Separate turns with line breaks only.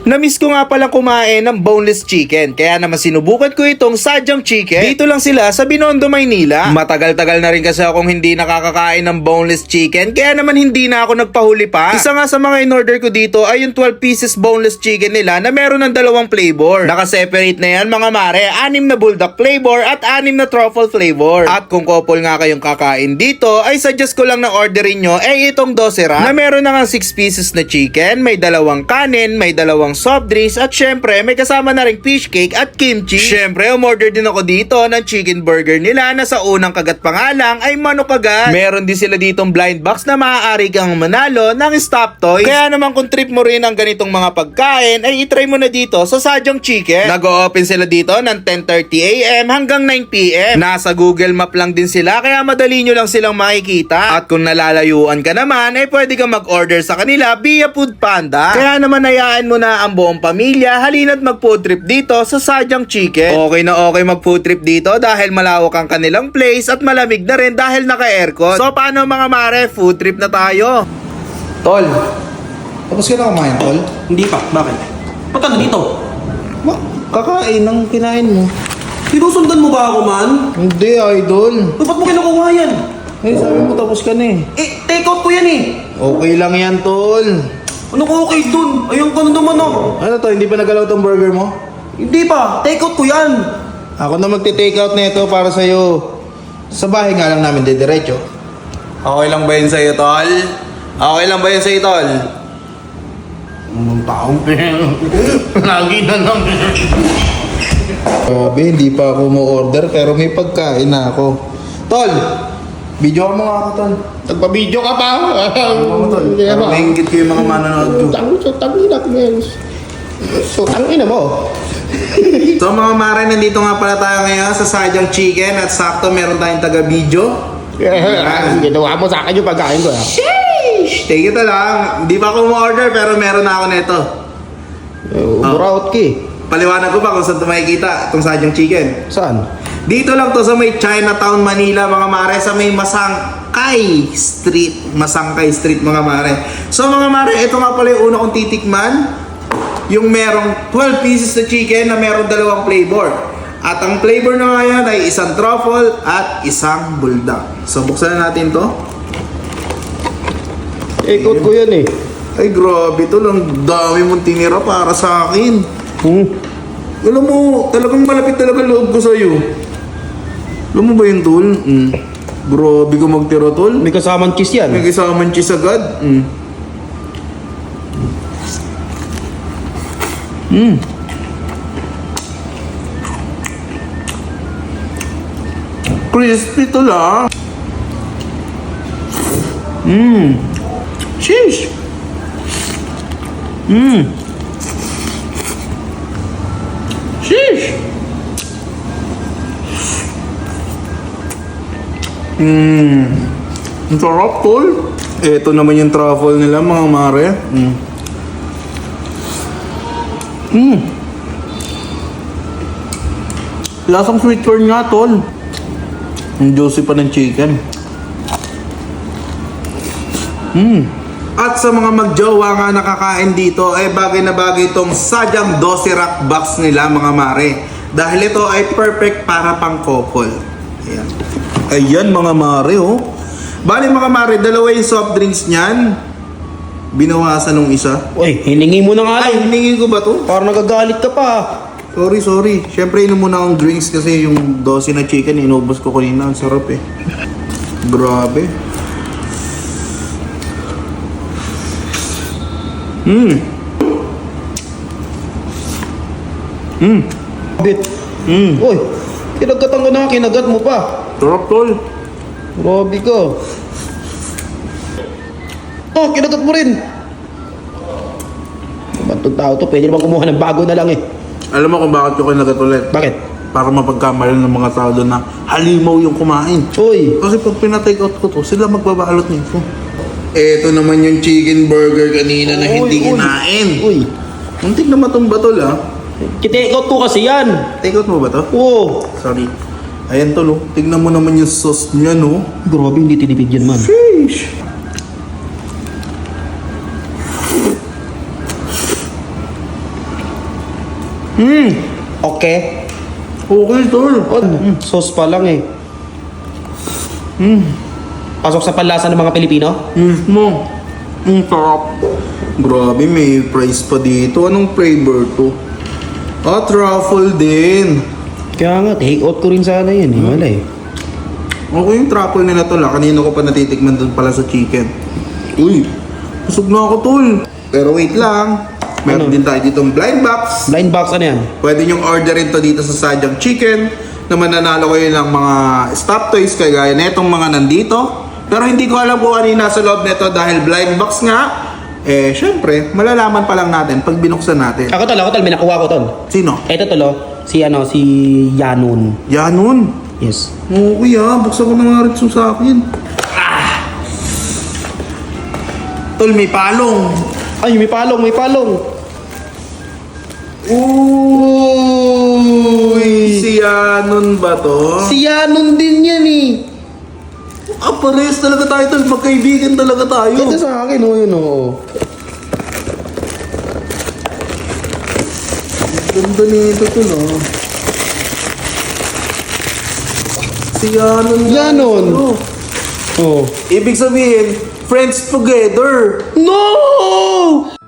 Namiss ko nga palang kumain ng boneless chicken, kaya naman sinubukan ko itong sadyang chicken. Dito lang sila sa Binondo, Maynila. Matagal-tagal na rin kasi akong hindi nakakakain ng boneless chicken, kaya naman hindi na ako nagpahuli pa. Isa nga sa mga in-order ko dito ay yung 12 pieces boneless chicken nila na meron ng dalawang flavor. Naka-separate na yan mga mare, 6 na bulldog flavor at 6 na truffle flavor. At kung couple nga kayong kakain dito, ay suggest ko lang na orderin nyo ay itong dosera na meron na nga 6 pieces na chicken, may dalawang kanin, may dalawang soft drinks at syempre may kasama na ring fish cake at kimchi. Syempre umorder din ako dito ng chicken burger nila na sa unang kagat pa nga lang ay manok agad. Meron din sila ditong blind box na maaari kang manalo ng stop toys. Kaya naman kung trip mo rin ang ganitong mga pagkain ay itry mo na dito sa Sadyang Chicken. Nag-o-open sila dito ng 10:30 AM hanggang 9 PM. Nasa Google Map lang din sila kaya madali nyo lang silang makikita. At kung nalalayuan ka naman ay pwede kang mag-order sa kanila via Food Panda. Kaya naman hayaan mo na ang buong pamilya halina't mag-food trip dito sa Sadyang Chicken. Okay na okay mag-food trip dito dahil malawak ang kanilang place at malamig na rin dahil naka-aircon. So paano mga mare, food trip na tayo.
Tol, tapos ka na kumain, Tol?
Hindi pa. Bakit? Ba't ka dito?
Kakain ng kinain mo.
Sinusundan mo ba ako, man?
Hindi, idol.
Ba't mo kinukuha yan?
Eh, sabi mo tapos ka na eh.
Take out ko yan eh.
Okay lang yan, Tol.
Ano ko okay dun? Ayun ka na naman oh.
Ano to, hindi pa nagalaw tong burger mo?
Hindi pa. Take out ko yan.
Ako na magte-take out na ito para sa'yo. Sa bahay nga lang namin didiretso.
Okay lang ba yun sa'yo, Tol? Okay lang ba yun sa'yo, Tol?
Anong taong lagi na lang. Grabe, hindi pa ako mo-order pero may pagkain na ako. Tol, video ka mo nga ako, Tol. Nagpa-video ka pa?
Ano Tol? Para maingit ko yung mga manonood ko.
Tangina mo.
So mga mare, nandito nga pala tayo ngayon sa Sadyang Chicken at sakto meron tayong taga-video.
Ginawa mo sa akin yung pagkain ko.
Sheesh! Take it lang. Hindi pa ako mo-order pero meron na ako nito.
Buraut ki.
Paliwanag ko pa kung saan ito makikita, itong Sadyang Chicken.
Saan?
Dito lang to sa may Chinatown, Manila mga mare, sa may Masangkay Street. Masangkay Street mga mare. So mga mare, ito nga pala yung una kong titikman. Yung merong 12 pieces na chicken na merong dalawang flavor. At ang flavor na ngayon ay isang truffle at isang bulldog. So buksan na natin to.
Ikot ko yan eh.
Ay grabe to lang, dami mong tinira para sa akin. Alam mo, talagang malapit talaga loob ko sa'yo. Alam mo ba yun, Tol? Grabe ko magtira, Tol.
May kasamang cheese yan.
May kasamang cheese agad. Crispy to lang. Sheesh. Sheesh. Ang sarap, Tol. Ito naman yung truffle nila, mga mare. Lasang sweet corn nga, Tol. Ang juicy pa ng chicken. At sa mga magjowa nga nakakain dito, ay bagay na bagay itong Sadyang Doserac box nila, mga mare. Dahil ito ay perfect para pang couple. Ayan. Ayan, mga mare, oh. Bali, mga mare, dalawa yung soft drinks niyan. Binawasan nung isa.
Uy, hiningi mo na nga
Ay,
lang.
hiningin ko ba to?
Parang nagagalit ka pa.
Sorry. Siyempre, inom muna akong drinks kasi yung 12 na chicken, inubos ko kanina. Ang sarap eh. Grabe.
Bit. Uy, kinagatan ko na, kinagat mo pa.
Sarap, Tol.
Grabe ka. Oh, kinagat mo rin. Ba't itong tao to? Pwede naman kumuha ng bago na lang eh.
Alam mo kung bakit ko kinagat ulit?
Bakit?
Para mapagkamalan ng mga tao doon na halimaw yung kumain.
Uy,
Kasi pag pinatake out ko to, sila magbabalot nito. Ito naman yung chicken burger kanina na hindi kinain.
Uy,
Muntik na matumba, Tol, ha?
Take out ko kasi yan.
Take out mo ba to?
oh.
Sorry. Ayan, Tol, oh. Tignan mo naman yung sauce niya, no?
Grabe, hindi tinipid yan, man.
Sheesh.
Okay.
Okay, tol.
Sauce pa lang eh. Pasok sa panlasa ng mga Pilipino?
Mismo. Ang sarap. Grabe, may price pa dito. Anong flavor to? Ah, truffle din.
Kaya nga, take out ko rin sana yun eh. Wala eh.
Okay yung truffle nila tol. Kanina ko pa natitikman dun pala sa chicken. Uy, busog na ako tol. Pero wait lang. Meron
Ano?
din tayo ditong blind box.
Blind box ano yan?
Pwede nyong orderin to dito sa Sadyang Chicken na mananalo kayo ng mga stop toys kagaya na itong mga nandito. Pero hindi ko alam kung ano yung nasa loob nito dahil blind box nga. Eh, syempre, malalaman pa lang natin pag binuksan natin.
Ako tol, may nakuha ko tol.
Sino?
Eto tol oh. Si Yanon.
Yanon.
Yes.
Oo, kuya. Buksan ko na nga rin sa akin. Tol, may palong.
Ay, may palong.
Uy! Si Yanon ba to?
Si Yanon din yan eh.
Ah, pares talaga tayo, tol. Magkaibigan talaga tayo.
Ito sa akin oh, yun oh.
Ganda nito, tol, oh. Si Yanon.
Yanon. Oh.
Ibig sabihin, friends together.
No!